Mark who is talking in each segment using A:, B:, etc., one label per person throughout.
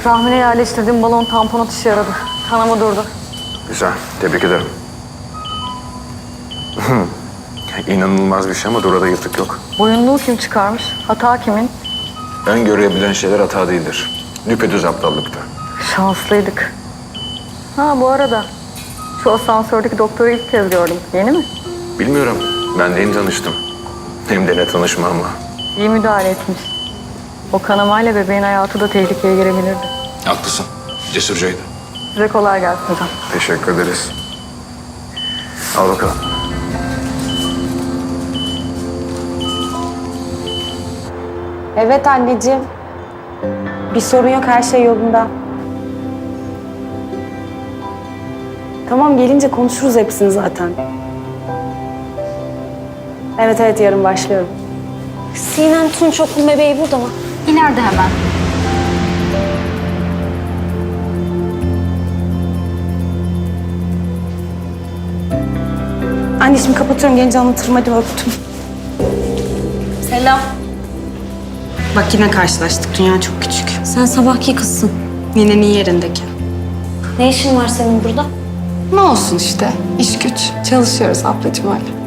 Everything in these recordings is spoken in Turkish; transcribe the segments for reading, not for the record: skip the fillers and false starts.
A: Rahmine yerleştirdiğim balon tampon atışı yaradı. Kanama durdu.
B: Güzel, tebrik ederim. İnanılmaz bir şey ama Dora'da yırtık yok.
A: Boyunluğu kim çıkarmış? Hata kimin?
B: Ön görebilen şeyler hata değildir. Düpedüz aptallıktı.
A: Şanslıydık. Ha bu arada şu asansördeki doktoru ilk kez gördüm. Yeni mi?
B: Bilmiyorum, ben de yeni tanıştım. Hem de ne tanışma ama.
A: İyi müdahale etmiş. O kanamayla bebeğin hayatı da tehlikeye girebilirdi.
B: Haklısın, cesurcaydı.
A: Size kolay gelsin hocam.
B: Teşekkür ederiz. Al bakalım.
C: Evet anneciğim. Bir sorun yok, her şey yolunda. Tamam, gelince konuşuruz hepsini zaten. Evet, yarın başlıyorum.
D: Sinem Tunç okul bebeği burada mı? İleride hemen.
C: Anneciğim kapatıyorum, gelince anlatırım. Hadi öptüm.
D: Selam.
C: Bak yine karşılaştık, dünya çok küçük.
D: Sen sabahki kızsın.
C: Ninenin yerindeki.
D: Ne işin var senin burada?
C: Ne olsun işte, iş güç. Çalışıyoruz ablacığım öyle.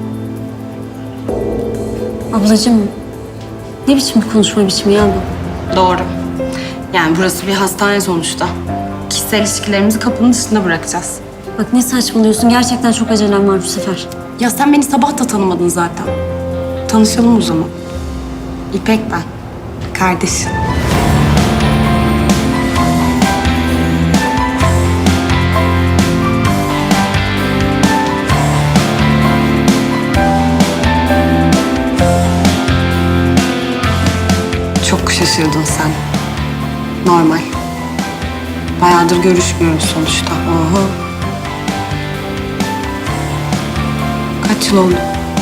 D: Ablacığım, ne biçim bir konuşma biçimi ya bu?
C: Doğru. Yani burası bir hastane sonuçta. Kişisel ilişkilerimizi kapının dışında bırakacağız.
D: Bak ne saçmalıyorsun, gerçekten çok acelem var bu sefer.
C: Ya sen beni sabah da tanımadın zaten. Tanışalım o zaman. İpek ben. Kardeşim. Çok şaşırdın sen. Normal. Bayağıdır görüşmüyoruz sonuçta. Oho. Kaç yıl oldu?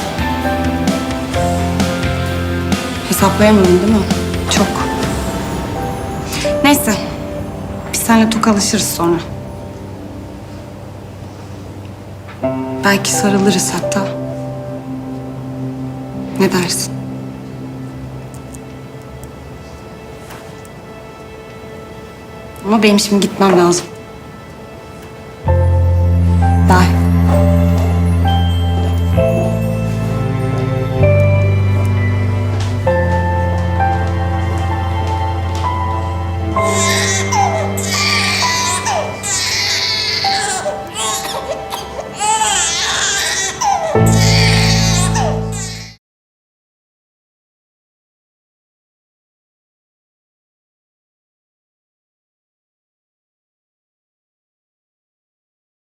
C: Hesaplayamadın değil mi? Çok. Neyse. Biz seninle tokalaşırız sonra. Belki sarılırız hatta. Ne dersin? Ama benim şimdi gitmem lazım.